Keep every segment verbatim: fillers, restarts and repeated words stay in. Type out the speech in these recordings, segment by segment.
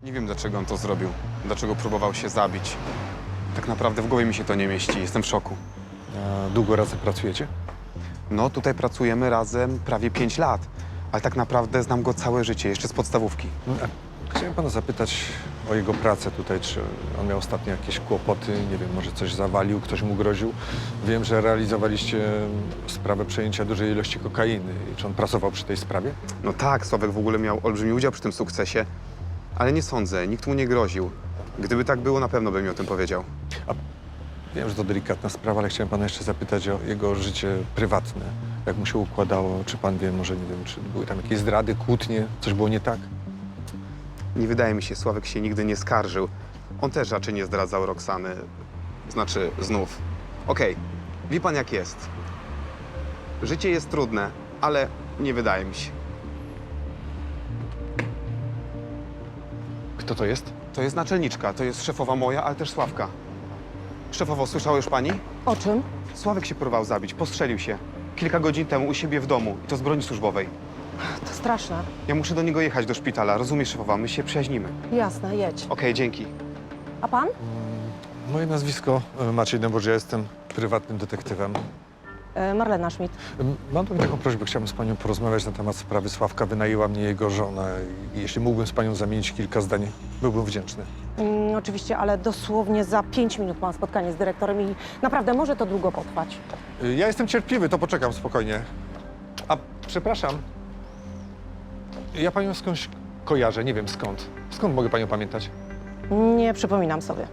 Nie wiem, dlaczego on to zrobił. Dlaczego próbował się zabić. Tak naprawdę w głowie mi się to nie mieści. Jestem w szoku. A długo razem pracujecie? No, tutaj pracujemy razem prawie pięć lat. Ale tak naprawdę znam go całe życie, jeszcze z podstawówki. No, a chciałem pana zapytać o jego pracę tutaj. Czy on miał ostatnio jakieś kłopoty? Nie wiem, może coś zawalił, ktoś mu groził? Wiem, że realizowaliście sprawę przejęcia dużej ilości kokainy. Czy on pracował przy tej sprawie? No tak, Sławek w ogóle miał olbrzymi udział przy tym sukcesie. Ale nie sądzę, nikt mu nie groził. Gdyby tak było, na pewno bym mi o tym powiedział. Wiem, że to delikatna sprawa, ale chciałem pana jeszcze zapytać o jego życie prywatne. Jak mu się układało? Czy pan wie, może nie wiem, czy były tam jakieś zdrady, kłótnie? Coś było nie tak? Nie wydaje mi się, Sławek się nigdy nie skarżył. On też raczej nie zdradzał Roxany. Znaczy, znów. Okej, wie pan jak jest. Życie jest trudne, ale nie wydaje mi się. Kto to jest? To jest naczelniczka, to jest szefowa moja, ale też Sławka. Szefowo, słyszała już pani? O czym? Sławek się próbował zabić, postrzelił się. Kilka godzin temu u siebie w domu i to z broni służbowej. To straszne. Ja muszę do niego jechać do szpitala, rozumiesz, szefowa, my się przyjaźnimy. Jasne, jedź. Okej, dzięki. A pan? Moje nazwisko e, Maciej Dębowicz, ja jestem prywatnym detektywem. E, Marlena Schmidt. Em, Mam do mnie taką prośbę, chciałbym z panią porozmawiać na temat sprawy Sławka. Wynajęła mnie jego żona i jeśli mógłbym z panią zamienić kilka zdań, byłbym wdzięczny. Mm, oczywiście, ale dosłownie za pięć minut mam spotkanie z dyrektorem i naprawdę może to długo potrwać. Y, Ja jestem cierpliwy, to poczekam spokojnie. A przepraszam, ja panią skądś kojarzę, nie wiem skąd. Skąd mogę panią pamiętać? Nie przypominam sobie.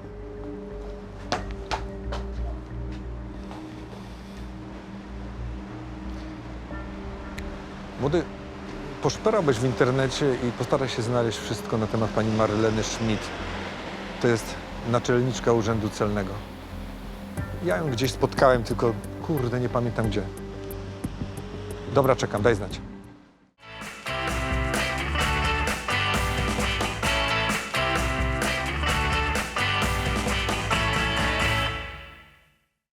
Młody, poszperałbyś w internecie i postaraj się znaleźć wszystko na temat pani Marleny Schmidt. To jest naczelniczka Urzędu Celnego. Ja ją gdzieś spotkałem, tylko kurde, nie pamiętam gdzie. Dobra, czekam, daj znać.